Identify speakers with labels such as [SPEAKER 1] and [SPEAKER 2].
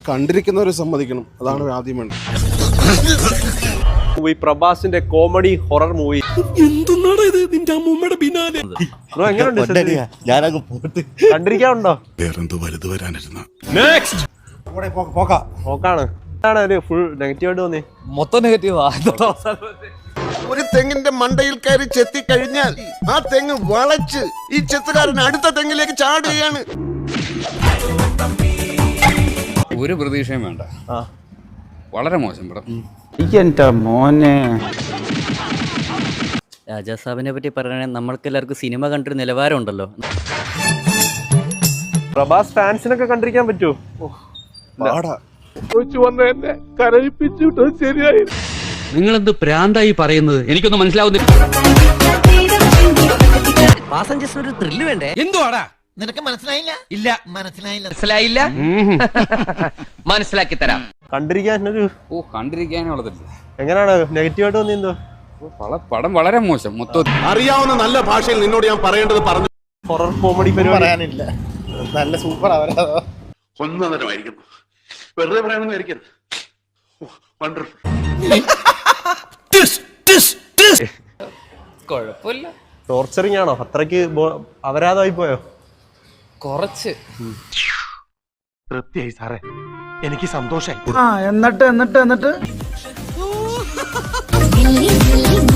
[SPEAKER 1] കണ്ടിരിക്കുന്നവരെ സമ്മതിക്കണം, അതാണ് ആദ്യം വേണ്ടത്.
[SPEAKER 2] മൂവി പ്രഭാസിന്റെ കോമഡി ഹൊറർ മൂവി.
[SPEAKER 3] എന്താണ് ഇത് നിന്റെ അമ്മൂമ്മയുടെ പിന്നാലെ?
[SPEAKER 2] കണ്ടിരിക്കാനുണ്ടോ?
[SPEAKER 1] വേറെന്തോ വലുത് വരാനിരുന്ന
[SPEAKER 2] നോക്കാണ് ഒരു ഫുൾ നെഗറ്റീവ് ആയിട്ട് തോന്നി.
[SPEAKER 4] മൊത്തം നെഗറ്റീവാ.
[SPEAKER 5] ഒരു തെങ്ങിന്റെ മണ്ടയിൽ കയറി ചെത്തി കഴിഞ്ഞാൽ ആ തെങ്ങ് വളച്ച് ഈ ചെത്തുകാരൻ അടുത്ത തെങ്ങിലേക്ക് ചാടുകയാണ്.
[SPEAKER 4] ഒരു പ്രതീക്ഷയും വേണ്ട. വളരെ മോശം പടം.
[SPEAKER 6] മോനെ
[SPEAKER 7] രാജാസാബിനെ പറ്റി പറയുകയാണെങ്കിൽ നമ്മൾക്ക് എല്ലാവർക്കും സിനിമ കണ്ടൊരു നിലവാരം ഉണ്ടല്ലോ.
[SPEAKER 2] പ്രഭാസ് ഫാൻസിനൊക്കെ കണ്ടിരിക്കാൻ പറ്റുമോ? ശരിയായി.
[SPEAKER 8] നിങ്ങളെന്ത് പ്രാന്തായി പറയുന്നത്? എനിക്കൊന്നും മനസ്സിലാവുന്നില്ല.
[SPEAKER 7] പാസഞ്ചേഴ്സിന് ഒരു ത്രില്ല് വേണ്ടേ?
[SPEAKER 8] എന്തുവാടാ?
[SPEAKER 6] നിനക്ക് മനസ്സിലായില്ല?
[SPEAKER 8] ഇല്ല,
[SPEAKER 6] മനസ്സിലായില്ല.
[SPEAKER 8] മനസ്സിലാക്കി തരാം.
[SPEAKER 2] കണ്ടിരിക്കാനൊരു
[SPEAKER 4] കണ്ടിരിക്കാനേ ഉള്ളതില്ല.
[SPEAKER 2] എങ്ങനെയാണ് നെഗറ്റീവ് ആയിട്ട് തോന്നി? എന്തോ
[SPEAKER 4] പടം വളരെ മോശം. മൊത്തം
[SPEAKER 5] അറിയാവുന്ന നല്ല ഭാഷയിൽ നിന്നോട് ഞാൻ പറയേണ്ടത് പറഞ്ഞു.
[SPEAKER 2] ഹൊറർ കോമഡി പരിപാടി
[SPEAKER 1] പറയാനില്ല. നല്ല സൂപ്പർ അവരാ.
[SPEAKER 5] ഒന്നരമായിരിക്കുന്നു. വെറുതെ പറയാനൊന്നും ആയിരിക്കരുത്. വണ്ടർഫുൾ.
[SPEAKER 4] കുഴപ്പമില്ല.
[SPEAKER 2] ടോർച്ചറിങ് ആണോ? അത്രയ്ക്ക് അപരാധമായി പോയോ?
[SPEAKER 4] കുറച്ച്.
[SPEAKER 5] തൃപ്തിയായി സാറേ, എനിക്ക് സന്തോഷായി.
[SPEAKER 6] എന്നിട്ട്